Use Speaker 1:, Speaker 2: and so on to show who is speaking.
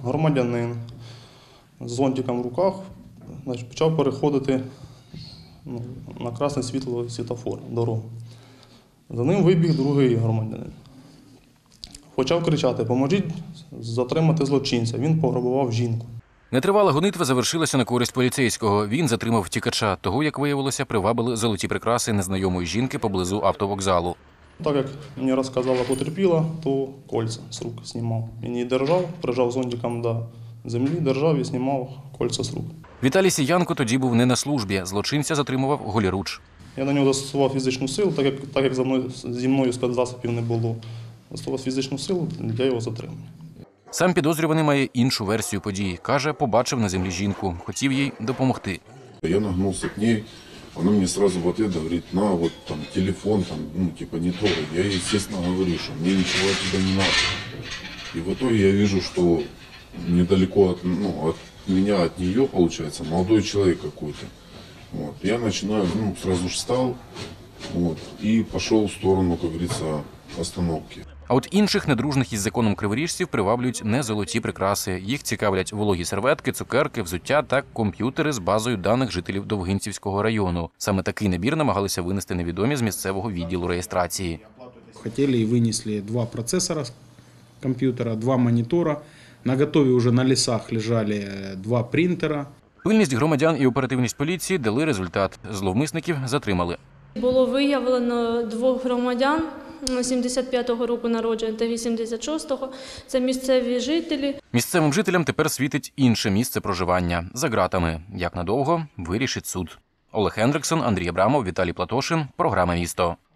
Speaker 1: Громадянин з зонтиком в руках почав переходити на красне світло світлофор, дорогу. За ним вибіг другий громадянин. Почав кричати: «Поможіть затримати злочинця, він пограбував жінку».
Speaker 2: Нетривала гонитва завершилася на користь поліцейського. Він затримав втікача. Того, як виявилося, привабили золоті прикраси незнайомої жінки поблизу автовокзалу.
Speaker 1: Так як мені розказала потерпіла, то кольця з рук знімав. Він її держав, прижав зонтиком до землі, держав і знімав кольця з рук.
Speaker 2: Віталій Сіянко тоді був не на службі. Злочинця затримував голіруч.
Speaker 1: Я на нього застосував фізичну силу, так як зі мною спецзасобів не було. Застосував фізичну силу для його затримання.
Speaker 2: Сам підозрюваний має іншу версію подій. Каже, побачив на землі жінку, хотів їй допомогти.
Speaker 3: Я нагнулся к ней, она мне сразу в ответ говорит: на, вот там телефон, там, не трогай. Я ей, естественно, говорю, что мне ничего от тебя не надо. И в итоге я вижу, что недалеко от меня, от нее, получается, молодой человек какой-то. Вот. Я начинаю, сразу же встал, и пошел в сторону, как говорится, остановки.
Speaker 2: А от інших недружних із законом криворіжців приваблюють не золоті прикраси. Їх цікавлять вологі серветки, цукерки, взуття та комп'ютери з базою даних жителів Довгинцівського району. Саме такий набір намагалися винести невідомі з місцевого відділу реєстрації.
Speaker 4: Хотіли і винесли 2 процесора комп'ютера, 2 монітора. На готові вже на лісах лежали 2 принтера.
Speaker 2: Пильність громадян і оперативність поліції дали результат. Зловмисників затримали.
Speaker 5: Було виявлено 2 громадян 75-го року народження та 86-го. Це місцеві жителі.
Speaker 2: Місцевим жителям тепер світить інше місце проживання – за ґратами. Як надовго – вирішить суд. Олег Хендриксон, Андрій Абрамов, Віталій Платошин. Програма «Місто».